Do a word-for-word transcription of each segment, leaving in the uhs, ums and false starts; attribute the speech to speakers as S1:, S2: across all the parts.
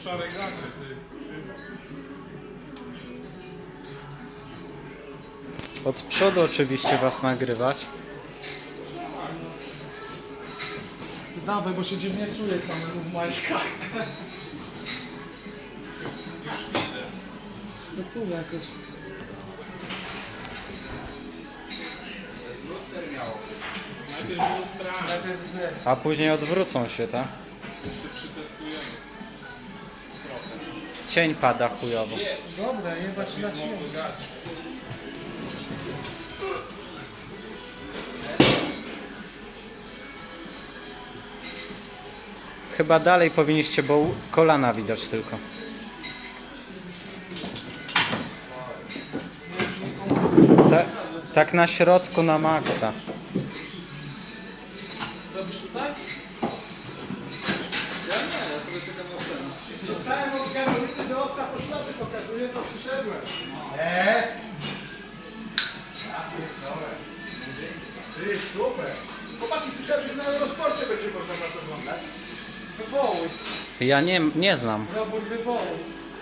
S1: szare gacie, ty.
S2: Od przodu oczywiście was nagrywać.
S3: Dawaj, bo się dziwnie czuję samemu w majtkach.
S1: Już idę.
S3: No tu jakoś.
S1: Najpierw lustrami.
S3: Najpierw z...
S2: A później odwrócą się, tak?
S1: Jeszcze przetestujemy. Trochę.
S2: Cień pada chujowo.
S1: Nie,
S3: Dobra, jebać na siłę.
S1: znowu gacie.
S2: Chyba dalej powinniście, bo u- kolana widać tylko. Ta, tak na środku na maksa.
S3: Robisz tutaj?
S1: Ja nie, ja sobie czekam na scenę.
S4: Dostałem od Karoliny, że owca po ślady pokazuje, to przyszedłem. Eee? Ja pierdolę. Ty, super. Chłopaki, słyszałem, że na Eurosporcie będzie można was oglądać.
S3: Wywołuj.
S2: Ja nie, nie znam.
S3: Robór wywołuj.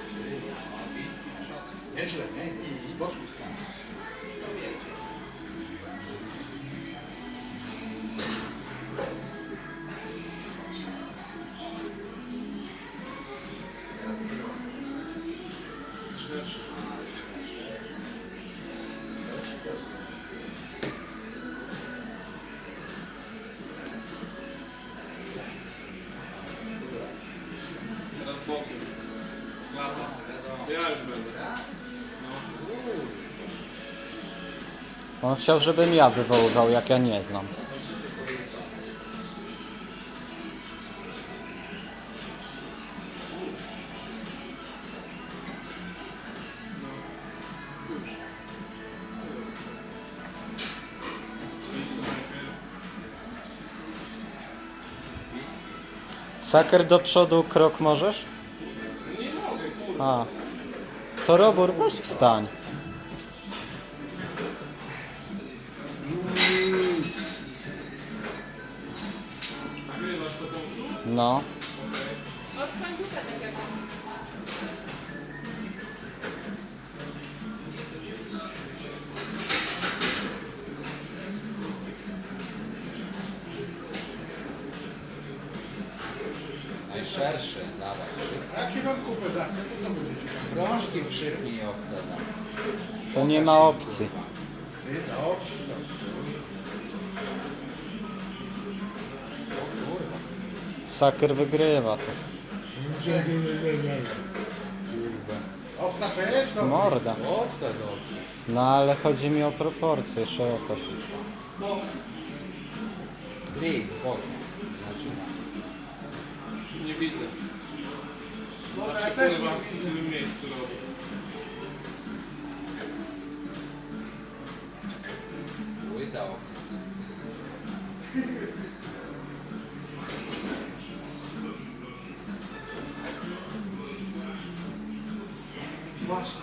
S4: Nieźle, nie? Z boczku stan.
S1: Szerszy. Teraz bokiem. Lata. Ja już będę. No.
S2: On chciał, żebym ja wywoływał, jak ja nie znam.
S1: Już. I co najpierw?
S2: Saker do przodu krok możesz?
S1: Nie mogę, kurwa.
S2: A. To Robór, weź wstań.
S1: Nagrywasz to połączu?
S2: No.
S5: Odsłoń dupę tak jak on.
S6: Najszerszy, dawaj.
S4: A jak się wam kupę zachce, to co będziecie tam?
S6: Rączki przypnij owce. No.
S2: To nie ma opcji.
S4: Ty, dobrze są.
S2: Saker wygrywa to.
S4: Owca też? Dobrze.
S2: Morda.
S6: Owce dobrze.
S2: No ale chodzi mi o proporcje, szerokość.
S6: Gris, bokiem. Zaczyna.
S1: Nie widzę.
S3: Dobra,
S1: Zawsze
S3: ja też
S1: pływam
S3: nie
S1: w
S3: widzę.
S1: innym miejscu robię.
S6: Łyda owce.
S3: Właśnie.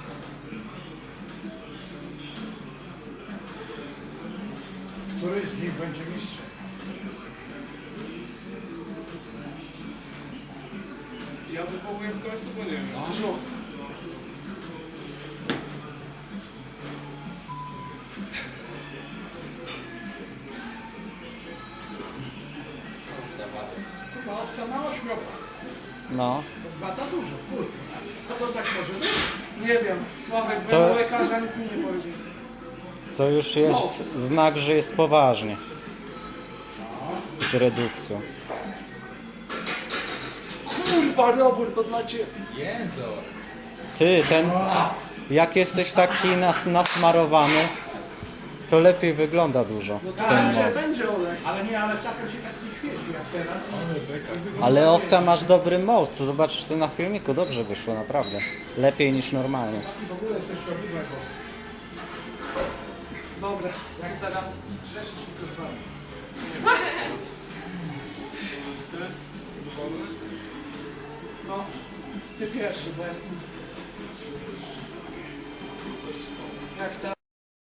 S4: Który z nich będzie mistrzem?
S1: Ja wywołuję w końcu, bo nie wiem.
S6: No.
S3: Brzuch.
S6: Zawady.
S4: Chyba owca ma ośmiopak.
S2: No.
S4: To dwa za dużo, kurwa. A to tak może być?
S3: Nie wiem. Sławek
S2: To-
S3: był lekarza, nic mi nie powiedział.
S2: To już jest znak, że jest poważnie. Z redukcją.
S3: Kurwa, robór to dla ciebie.
S6: Jęzor.
S2: Ty, ten... Jak jesteś taki nas, nasmarowany, to lepiej wygląda dużo
S3: No to
S2: ten
S3: będzie,
S2: most.
S3: będzie olej.
S4: Ale nie, ale saker się tak nie świeci jak teraz. I-
S2: Ale owca masz dobry most, to zobaczysz sobie na filmiku, dobrze wyszło, naprawdę. Lepiej niż normalnie.
S4: W ogóle jesteś szkodliwe, bo
S3: Dobra, co teraz?
S4: grzeszysz tylko z wami.
S1: Wolne?
S3: No, ty pierwszy, bo jestem... Jak ta...